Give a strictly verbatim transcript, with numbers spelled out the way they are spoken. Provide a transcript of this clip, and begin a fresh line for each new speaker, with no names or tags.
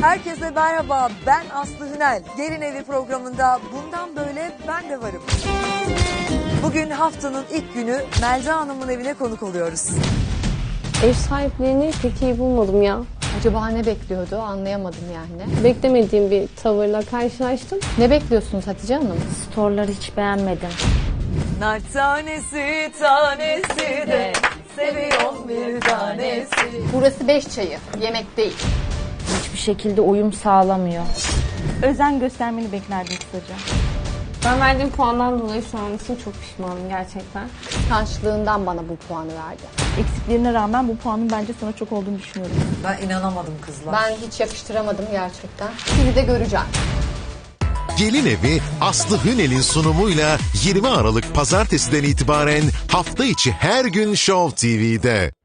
Herkese merhaba, ben Aslı Hünel. Gelin Evi programında bundan böyle ben de varım. Bugün haftanın ilk günü Melda Hanım'ın evine konuk oluyoruz.
Ev sahiplerini pek iyi bulmadım ya.
Acaba ne bekliyordu anlayamadım yani.
Beklemediğim bir tavırla karşılaştım.
Ne bekliyorsunuz Hatice Hanım?
Storları hiç beğenmedim.
Nar tanesi tanesi de seviyorum bir tanesi.
Burası beş çayı, yemek değil.
Hiçbir şekilde uyum sağlamıyor. Özen göstermeni beklerdim kısaca.
Ben verdiğim puandan dolayı şu an için çok pişmanım gerçekten.
Kıskançlığından bana bu puanı verdi.
Eksiklerine rağmen bu puanın bence sana çok olduğunu düşünüyorum.
Ben inanamadım kızlar.
Ben hiç yakıştıramadım gerçekten. Sizi de göreceğim.
Gelin Evi Aslı Hünel'in sunumuyla yirmi Aralık Pazartesi'den itibaren hafta içi her gün Show T V'de.